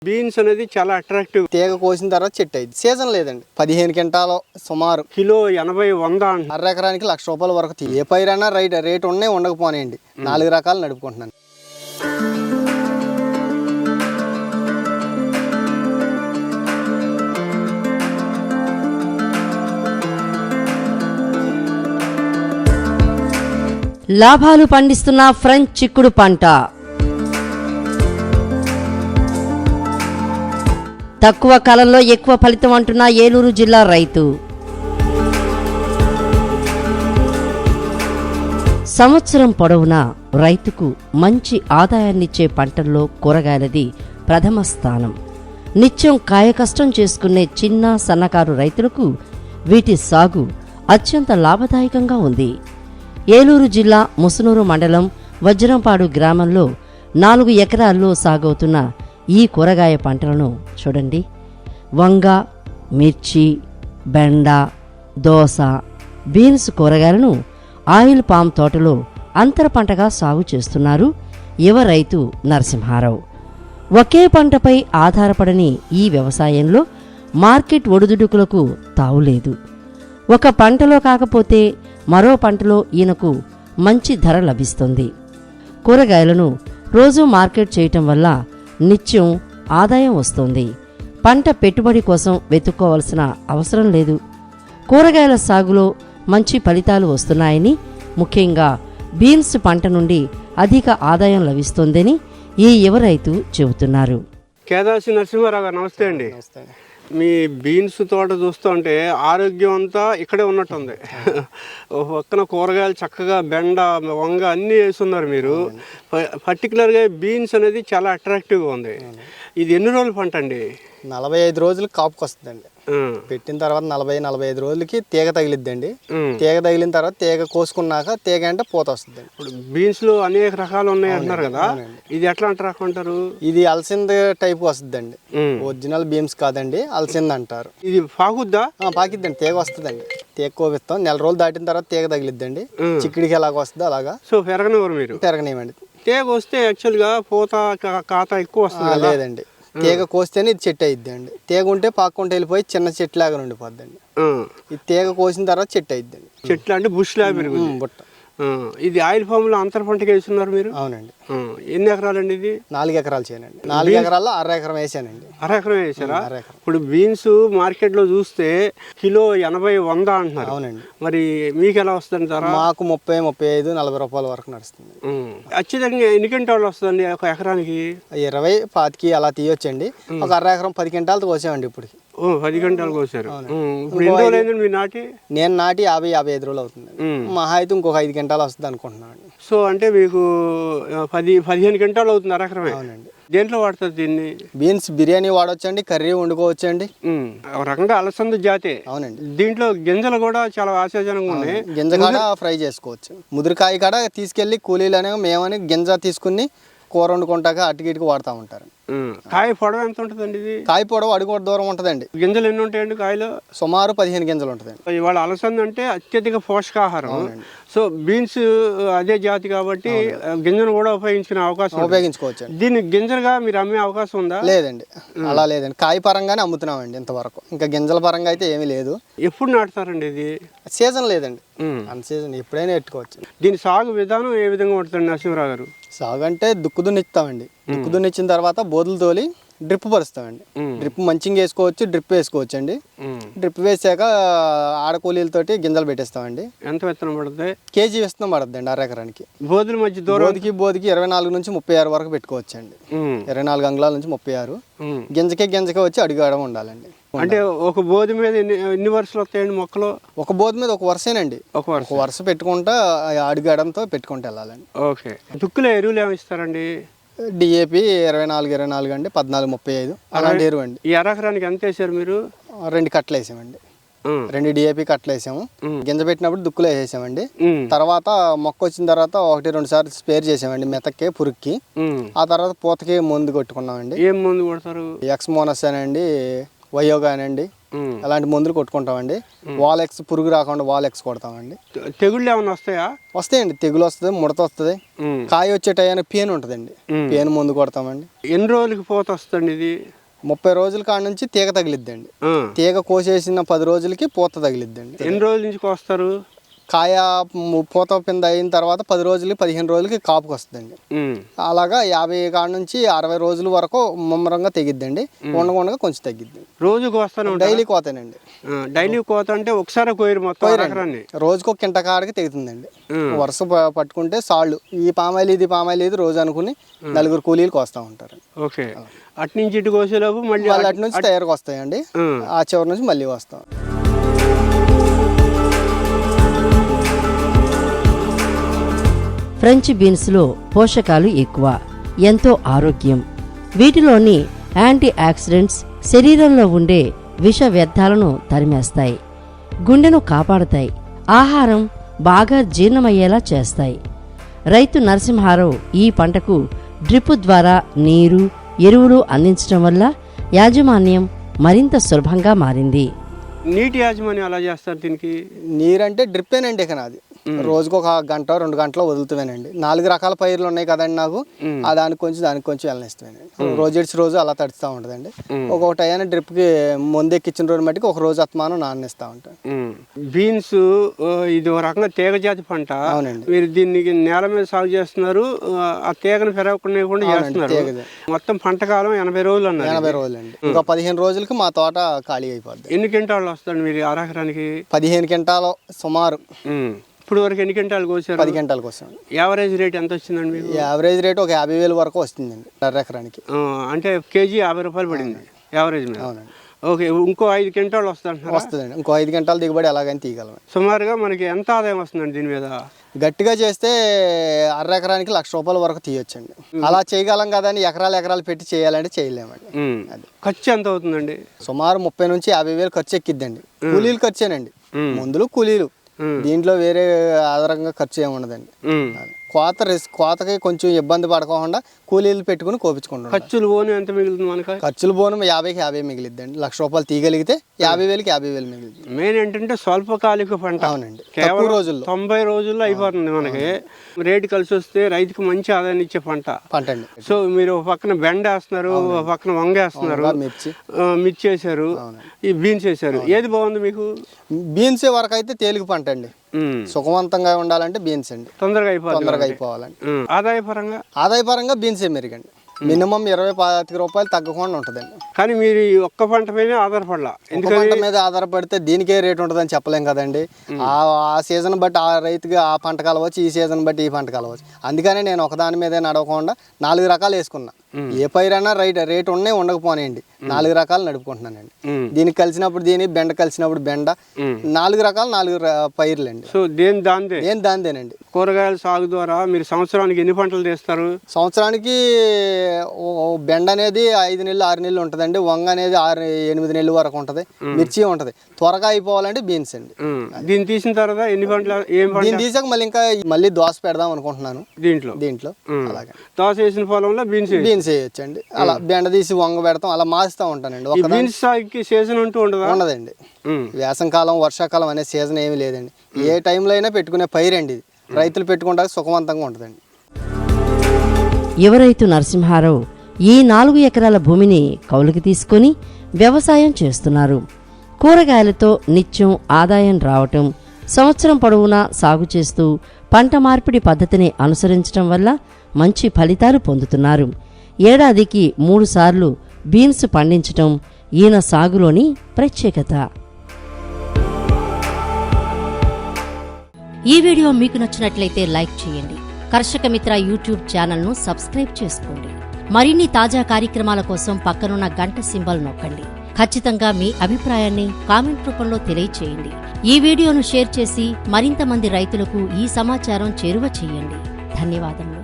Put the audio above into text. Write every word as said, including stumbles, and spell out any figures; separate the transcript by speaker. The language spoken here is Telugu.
Speaker 1: బీన్స్ అనేది చాలా అట్రాక్టివ్.
Speaker 2: తీగ కోసిన తర్వాత చెట్టు అయింది. సీజన్ లేదండి. పదిహేను క్వింటాలు సుమారు
Speaker 1: కిలో ఎనభై వంద
Speaker 2: అర ఎకరానికి లక్ష రూపాయల వరకు. ఏ పైరైనా రైట్ రేట్ ఉన్నాయి ఉండకపోనేయండి. నాలుగు రకాలు నడుపుకుంటున్నాను.
Speaker 3: లాభాలు పండిస్తున్న ఫ్రెంచ్ చిక్కుడు పంట. తక్కువ కాలంలో ఎక్కువ ఫలితం అంటున్న ఏలూరు జిల్లా రైతు. సంవత్సరం పొడవునా రైతుకు మంచి ఆదాయాన్నిచ్చే పంటల్లో కూరగాయలది ప్రథమ స్థానం. నిత్యం కాయకష్టం చేసుకునే చిన్న సన్నకారు రైతులకు వీటి సాగు అత్యంత లాభదాయకంగా ఉంది. ఏలూరు జిల్లా ముసునూరు మండలం వజ్రంపాడు గ్రామంలో నాలుగు ఎకరాల్లో సాగవుతున్న ఈ కూరగాయ పంటలను చూడండి. వంగ, మిర్చి, బెండ, దోస, బీన్స్ కూరగాయలను ఆయిల్ పామ్ తోటలో అంతర పంటగా సాగు చేస్తున్నారు యువ రైతు నరసింహారావు. ఒకే పంటపై ఆధారపడని ఈ వ్యవసాయంలో మార్కెట్ ఒడిదుడుకులకు తావులేదు. ఒక పంటలో కాకపోతే మరో పంటలో ఈయనకు మంచి ధర లభిస్తుంది. కూరగాయలను రోజూ మార్కెట్ చేయటం వల్ల నిత్యం ఆదాయం వస్తుంది. పంట పెట్టుబడి కోసం వెతుక్కోవలసిన అవసరం లేదు. కూరగాయల సాగులో మంచి ఫలితాలు వస్తున్నాయని, ముఖ్యంగా బీన్స్ పంట నుండి అధిక ఆదాయం లభిస్తుందని ఈ యువ రైతు చెబుతున్నారు.
Speaker 1: కేదాసి నరసింహారావు గారు నమస్తే అండి. మీ బీన్స్ తోట చూస్తుంటే ఆరోగ్యం అంతా ఇక్కడే ఉన్నట్టుంది. పక్కన కూరగాయలు చక్కగా బెండ, వంగ అన్నీ వేస్తున్నారు మీరు. పర్టికులర్గా బీన్స్ అనేది చాలా అట్రాక్టివ్గా ఉంది. ఇది ఎన్ని రోజుల పంట అండి?
Speaker 2: నలభై ఐదు రోజులకి కాపుకి వస్తుందండి. పెట్టిన తర్వాత నలభై నలభై ఐదు రోజులకి తీగ తగిలిద్దండి. తీగ తగిలిన తర్వాత తీగ కోసుకున్నాక తీగ అంటే పూత వస్తుంది.
Speaker 1: ఇప్పుడు బీన్స్ లో అనేక రకాలు ఉన్నాయి అంటున్నారు కదా, ఇది ఎట్లా రకం అంటారు?
Speaker 2: ఇది అలసింద టైప్ వస్తుందండి. ఒరిజినల్ బీన్స్ కాదండి, అలసింద అంటారు.
Speaker 1: ఇది పాకుద్దా?
Speaker 2: పాకిద్దండి. తీగ వస్తుందండి. తీగ కోపిస్తాం. నెల రోజులు దాటిన తర్వాత తీగ తగిలిద్దండి. చిక్కుడికి ఎలాగ వస్తుంది అలాగా.
Speaker 1: సో పెరగనివ్వరు మీరు?
Speaker 2: పెరగనివ్వండి.
Speaker 1: తీగ వస్తే యాక్చువల్ గా పూత కాత ఎక్కువ వస్తుంది.
Speaker 2: లేదండి, తీగ కోస్తేనే ఇది చెట్టు అయిద్ది అండి. తీగ ఉంటే పాక్కుంటే వెళ్ళిపోయి చిన్న చెట్టు లాగా ఉండిపోద్దండి. ఈ తీగ కోసిన తర్వాత చెట్టు అయిద్దండి.
Speaker 1: చెట్లు అంటే బుష్ లాగా పెరుగుతుంది. బుట్ట. ఇది ఆయిల్ ఫామ్ లో అంతర పంటకి వేస్తున్నారు మీరు?
Speaker 2: అవునండి.
Speaker 1: ఎన్ని ఎకరాలండి ఇది?
Speaker 2: నాలుగు ఎకరాలు చేయనండి. నాలుగు ఎకరాల్లో అర ఎకరం వేసానండి.
Speaker 1: అర ఎకరం వేసారా? ఇప్పుడు బీన్స్ మార్కెట్ లో చూస్తే కిలో ఎనభై వంద అంటున్నారు.
Speaker 2: అవునండి.
Speaker 1: మరి మీకు ఎలా వస్తుంది ధర?
Speaker 2: మాకు ముప్పై ముప్పై ఐదు నలభై రూపాయల వరకు నడుస్తుంది.
Speaker 1: ఖచ్చితంగా ఎన్ని క్వింటాలు వస్తుందండి ఒక ఎకరానికి?
Speaker 2: ఇరవై పాతికి అలా తీయొచ్చండి. ఒక అర ఎకరం పది క్వింటాలతో కోసామండి ఇప్పుడు.
Speaker 1: ఓ పది గంటలు కోసారు. ఇప్పుడు ఎన్ని రోజులు అయిందండి మీరు నాటి?
Speaker 2: నేను నాటి యాభై యాభై ఐదు రోజులు అవుతుంది. మహా అయితే ఇంకొక ఐదు గంటలు వస్తుంది అనుకుంటున్నాను.
Speaker 1: సో అంటే మీకు పది పదిహేను గంటలు అవుతుంది అర ఎకరమే.
Speaker 2: అవునండి.
Speaker 1: దేంట్లో వాడుతుంది దీన్ని?
Speaker 2: బీన్స్ బిర్యానీ వాడొచ్చండి, కర్రీ వండుకోవచ్చండి.
Speaker 1: ఒక రకంగా అలసంద జాతే.
Speaker 2: అవునండి.
Speaker 1: దీంట్లో గింజలు కూడా చాలా ఆశాజనంగా ఉన్నాయి.
Speaker 2: గింజ కాడ ఫ్రై చేసుకోవచ్చు. ముదిరికాయ కాడ తీసుకెళ్లి కూలీలు అనే మేమని గింజ తీసుకుని కూర వండుకుంటాక అటుకి ఇటుకు వాడుతూ ఉంటారు.
Speaker 1: కాయ పొడవు ఎంత ఉంటుందండి ఇది?
Speaker 2: కాయ పొడవు అడుగు దూరం ఉంటుందండి.
Speaker 1: గింజలు ఎన్ని ఉంటాయండి కాయలు?
Speaker 2: సుమారు పదిహేను గింజలు ఉంటుందండి.
Speaker 1: ఇవాళ అలసంద అంటే అత్యధిక పోషకాహారం. సో బీన్స్ అదే జాతి కాబట్టి గింజను కూడా ఉపయోగించుకునే అవకాశం
Speaker 2: ఉపయోగించుకోవచ్చు.
Speaker 1: దీన్ని గింజలుగా మీరు అమ్మే అవకాశం ఉందా?
Speaker 2: లేదండి, అలా లేదండి. కాయ పరంగానే అమ్ముతున్నామండి ఇంతవరకు. ఇంకా గింజల పరంగా అయితే ఏమీ లేదు.
Speaker 1: ఎప్పుడు నాటుతారండి ఇది?
Speaker 2: సీజన్ లేదండి, అన్ సీజన్ ఎప్పుడైనా పెట్టుకోవచ్చు.
Speaker 1: దీని సాగు విధానం ఏ విధంగా ఉంటుంది నరసింహరావు గారు?
Speaker 2: సాగు అంటే దుక్కు దున్నిస్తామండి. దుక్కు దున్నిచ్చిన తర్వాత బోధులు తోలి డ్రిప్ పరుస్తామండి. డ్రిప్ మంచిగా వేసుకోవచ్చు, డ్రిప్ వేసుకోవచ్చు అండి. డ్రిప్ వేసాక ఆడకూలీలతోటి గింజలు పెట్టేస్తామండి.
Speaker 1: ఎంత విత్తనం పడుతుంది?
Speaker 2: కేజీ విత్తనం పడుతుంది అండి అర ఎకరానికి.
Speaker 1: బోధుల మధ్య దూరం
Speaker 2: బోధికి బోధికి ఇరవై నాలుగు నుంచి ముప్పై ఆరు వరకు పెట్టుకోవచ్చు అండి. ఇరవై నాలుగు అంగుళాల నుంచి ముప్పై ఆరు. గింజకే గింజకే వచ్చి అడుగడం ఉండాలండి.
Speaker 1: అంటే ఒక బోధి మీద ఎన్ని ఎన్ని వరుసలు వస్తాయండి మొక్కలు?
Speaker 2: ఒక బోధి మీద ఒక వరుసేనండి. ఒక వరుస వరుస పెట్టుకుంటా అడుగడంతో పెట్టుకుంటూ వెళ్ళాలండి.
Speaker 1: ఓకే. దుక్కులో ఎరువులు ఏమి ఇస్తారండి?
Speaker 2: డిఏపి ఇరవై నాలుగు ఇరవై నాలుగు అండి, పద్నాలుగు ముప్పై ఐదు అలాంటి ఎరువు అండి.
Speaker 1: ఈ ఎకరానికి ఎంత వేసారు మీరు?
Speaker 2: రెండు కట్టలు వేసామండి. రెండు డిఏపి కట్టలు వేసాము. గింజ పెట్టినప్పుడు దుక్కులు వేసేసామండి. తర్వాత మొక్క వచ్చిన తర్వాత ఒకటి రెండు సార్లు స్పేర్ చేసామండి మెతక్కి, పురుగుకి. ఆ తర్వాత పూతకి మందు కొట్టుకున్నామండి.
Speaker 1: ఏం మందు కొడతారు?
Speaker 2: ఎక్స్ మోనస్ అండి, వయో కానివ్వండి అలాంటి మందులు కొట్టుకుంటామండి. వాలెక్స్ పురుగు రాకుండా వాలెక్స్ కొడతామండి.
Speaker 1: తెగుళ్ళు ఏమైనా వస్తాయా?
Speaker 2: వస్తాయండి, తెగులు వస్తుంది, ముడత వస్తుంది, కాయ వచ్చే టయానికి పేను ఉంటుందండి, పేను మందు కొడతామండి.
Speaker 1: ఎన్ని రోజులకి పోత వస్తుంది ఇది?
Speaker 2: ముప్పై రోజుల కాడ నుంచి తీగ తగిలిద్దండి. తీగ కోసేసిన పది రోజులకి పూత తగిలిద్దండి.
Speaker 1: ఎన్ని రోజుల నుంచి కోస్తారు?
Speaker 2: కాయ పూత పింద అయిన తర్వాత పది రోజులకి పదిహేను రోజులకి కాపుకి వస్తుందండి. అలాగా యాభై కాడ నుంచి అరవై రోజుల వరకు ముమ్మరంగా తెగిద్దండి. ఉండకుండా కొంచెం తగ్గిద్దండి.
Speaker 1: రోజు కోస్తాను?
Speaker 2: డైలీ కోతానండి.
Speaker 1: డైలీ కోత అంటే ఒకసారి కోయరు మొత్తం?
Speaker 2: రోజుకు ఒక కింట కాడికి తెగుతుందండి. వరుస పట్టుకుంటే సాళ్ళు ఈ పామాయిల్ ఇది పామాయిల్ ఇది రోజు అనుకుని నలుగురు కూలీలు కోస్తా ఉంటారు.
Speaker 1: ఓకే, అటు నుంచి ఇటు కోసేలోపు మళ్ళీ
Speaker 2: అటు నుంచి తయారుకు వస్తాయండి. ఆ చివరి నుంచి మళ్ళీ వస్తాం.
Speaker 3: ఫ్రెంచ్ బీన్స్లో పోషకాలు ఎక్కువ, ఎంతో ఆరోగ్యం. వీటిలోని యాంటీ ఆక్సిడెంట్స్ శరీరంలో ఉండే విష వ్యర్థాలను తరిమేస్తాయి, గుండెను కాపాడతాయి, ఆహారం బాగా జీర్ణమయ్యేలా చేస్తాయి. రైతు నరసింహారావు ఈ పంటకు డ్రిప్ ద్వారా నీరు, ఎరువులు అందించడం వల్ల యాజమాన్యం మరింత సులభంగా మారింది.
Speaker 1: నీటి యాజమాన్యం అలా చేస్తారు దీనికి?
Speaker 2: నీరంటే డ్రిప్పేనండి. ఇక నాది రోజుకు ఒక గంట రెండు గంటలు వదులుతానండి. నాలుగు రకాల పైర్లు ఉన్నాయి కదండి నాకు, ఆ దానికి కొంచెం దానికి కొంచెం వెళ్ళనిస్తానండి. రోజు ఇడిచి రోజు అలా తడుస్తూ ఉంటుందండి. ఒక్కొక్క టైం డ్రిప్కి ముందు ఎక్కించిన రోజు మట్టికి ఒక రోజు అత్మానం నాన్నిస్తూ ఉంటాను.
Speaker 1: బీన్స్ ఇది ఒక రకంగా తీగ జాతి పంట.
Speaker 2: అవునండి.
Speaker 1: మీరు దీనికి నేల మీద సాగు చేస్తున్నారు, ఆ తీగను పెరగకుండా చేస్తున్నారు. మొత్తం పంట కాలం ఎనభై రోజులు అన్నారు.
Speaker 2: ఎనభై రోజులు అండి. ఇంకా పదిహేను రోజులకి మా తోట ఖాళీ అయిపోద్ది.
Speaker 1: ఎన్ని క్వింటాలు వస్తాడు మీరు అరెకరానికి?
Speaker 2: పదిహేను క్వింటాలు సుమారు.
Speaker 1: ఇప్పుడు వరకు ఎన్ని క్వింటాలు కోసారు?
Speaker 2: పది క్వింటాలు కోసాం.
Speaker 1: యావరేజ్ రేట్ ఎంత వచ్చిందండి మీకు?
Speaker 2: యావరేజ్ రేట్ ఒక యాభై వేలు వరకు వస్తుందండి అరెకరానికి.
Speaker 1: అంటే కేజీ యాభై రూపాయలు పడింది యావరేజ్ మీద.
Speaker 2: అవునండి.
Speaker 1: ఓకే, ఇంకో ఐదు క్వింటాలు వస్తుంది
Speaker 2: వస్తుందండి. ఇంకో ఐదు క్వింటాలు దిగుబడి ఎలాగని తీయగలం.
Speaker 1: సుమారుగా మనకి ఎంత ఆదాయం వస్తుందండి దీని మీద?
Speaker 2: గట్టిగా చేస్తే అర ఎకరానికి లక్ష రూపాయల వరకు తీయొచ్చండి. అలా చేయగలం కదా అని ఎకరాలు ఎకరాలు పెట్టి చేయాలంటే చేయలేమండి. అది
Speaker 1: ఖర్చు ఎంత అవుతుందండి?
Speaker 2: సుమారు ముప్పై నుంచి యాభై వేలు ఖర్చు ఎక్కిద్దండి. కూలీలు ఖర్చేనండి, మందులు కూలీలు. దీంట్లో వేరే ఆధారంగా ఖర్చు ఏమి ఉండదండి. కోత రిస్క్ కోతకి కొంచెం ఇబ్బంది పడకుండా కూలీలు పెట్టుకుని కోపించుకుంటాం.
Speaker 1: ఖర్చులు పోను ఎంత మిగులుతుంది మనకి?
Speaker 2: ఖర్చులు పోను యాభైకి యాభై మిగిలిద్దండి. లక్ష రూపాయలు తీయగలిగితే యాభై వేలకి యాభై వేలు మిగిలింది.
Speaker 1: మెయిన్ ఏంటంటే స్వల్పకాలిక పంట.
Speaker 2: అవునండి.
Speaker 1: కేవలం
Speaker 2: రోజుల్లో
Speaker 1: తొంభై రోజుల్లో అయిపోతుంది మనకి. రేటు కలిసి వస్తే రైతుకి మంచి ఆదాయాన్ని ఇచ్చే పంట
Speaker 2: పంట అండి.
Speaker 1: సో మీరు పక్కన బెండ వేస్తున్నారు, పక్కన వంగ వేస్తున్నారు,
Speaker 2: మిర్చి
Speaker 1: మిర్చి వేసారు, ఈ బీన్స్ వేసారు. ఏది బాగుంది మీకు?
Speaker 2: బీన్స్ వరకు అయితే తేలిక పంట అండి. సుఖవంతంగా ఉండాలంటే బీన్స్ అండి.
Speaker 1: తొందరగా అయిపోవాలి.
Speaker 2: తొందరగా అయిపోవాలండి.
Speaker 1: ఆదాయపరంగా
Speaker 2: ఆదాయపరంగా బీన్సే మెరుగండి. మినిమం ఇరవై పాతిక రూపాయలు తగ్గకుండా ఉంటుందండి.
Speaker 1: కానీ మీరు ఒక్క పంట మీద ఆధారపడాల.
Speaker 2: పంట మీద ఆధారపడితే దీనికే రేట్ ఉంటుందని చెప్పలేం కదండి. ఆ సీజన్ బట్టి ఆ రైతుకి ఆ పంట కలవచ్చు, ఈ సీజన్ బట్టి ఈ పంట కలవచ్చు. అందుకనే నేను ఒకదాని మీదే నడవకుండా నాలుగు రకాలు వేసుకున్నా. ఏ పైరైనా రైట్ రేట్ ఉన్నాయి ఉండకపోనేయండి, నాలుగు రకాలు నడుపుకుంటున్నానండి. దీనికి కలిసినప్పుడు దీని, బెండ కలిసినప్పుడు బెండ, నాలుగు రకాలు నాలుగు పైర్లండి.
Speaker 1: సో దేని దాందే
Speaker 2: దేని దాందేనండి.
Speaker 1: కూరగాయల సాగు ద్వారా మీరు సంవత్సరానికి ఎన్ని పంటలు తీస్తారు?
Speaker 2: సంవత్సరానికి బెండ అనేది ఐదు నెలలు ఆరు నెలలు ఉంటుందండి. వంగ అనేది ఆరు ఎనిమిది నెలల వరకు ఉంటుంది. మిర్చి ఉంటుంది. త్వరగా అయిపోవాలంటే బీన్స్ అండి.
Speaker 1: దీన్ని తీసిన తర్వాత ఎన్ని పంటలు?
Speaker 2: దీన్ని తీసాక మళ్ళీ ఇంకా మళ్ళీ దోస పెడదాం అనుకుంటున్నాను దీంట్లో దీంట్లో అలాగే.
Speaker 1: దోస వేసిన పొలంలో బీన్స్
Speaker 2: బీన్స్ వేయొచ్చండి. అలా బెండ తీసి వంగ పెడతాం, అలా మారుస్తూ ఉంటానండి.
Speaker 1: బీన్స్ సాగుకి సీజన్ అంటూ ఉండదు?
Speaker 2: ఉండదండి. వేసంకాలం వర్షాకాలం అనే సీజన్ ఏమి లేదండి. ఏ టైంలో అయినా పెట్టుకునే పైరండి ఇది. రైతులు పెట్టుకుంటే సుఖవంతంగా ఉంటుందండి.
Speaker 3: యువ రైతు నరసింహారావు ఈ నాలుగు ఎకరాల భూమిని కౌలుకి తీసుకొని వ్యవసాయం చేస్తున్నారు. కూరగాయలతో నిత్యం ఆదాయం రావటం, సంవత్సరం పొడవునా సాగు చేస్తూ పంట మార్పిడి పద్ధతిని అనుసరించడం వల్ల మంచి ఫలితాలు పొందుతున్నారు. ఏడాదికి మూడు సార్లు బీన్స్ పండించటం ఈయన సాగులోని ప్రత్యేకత. ఈ వీడియో మీకు నచ్చినట్లయితే లైక్ చేయండి. కర్షక మిత్ర యూట్యూబ్ ఛానల్ను సబ్స్క్రైబ్ చేసుకోండి. మరిన్ని తాజా కార్యక్రమాల కోసం పక్కనున్న గంట సింబల్ నొక్కండి. ఖచ్చితంగా మీ అభిప్రాయాన్ని కామెంట్ రూపంలో తెలియచేయండి. ఈ వీడియోను షేర్ చేసి మరింత మంది రైతులకు ఈ సమాచారం చేరువ చేయండి. ధన్యవాదములు.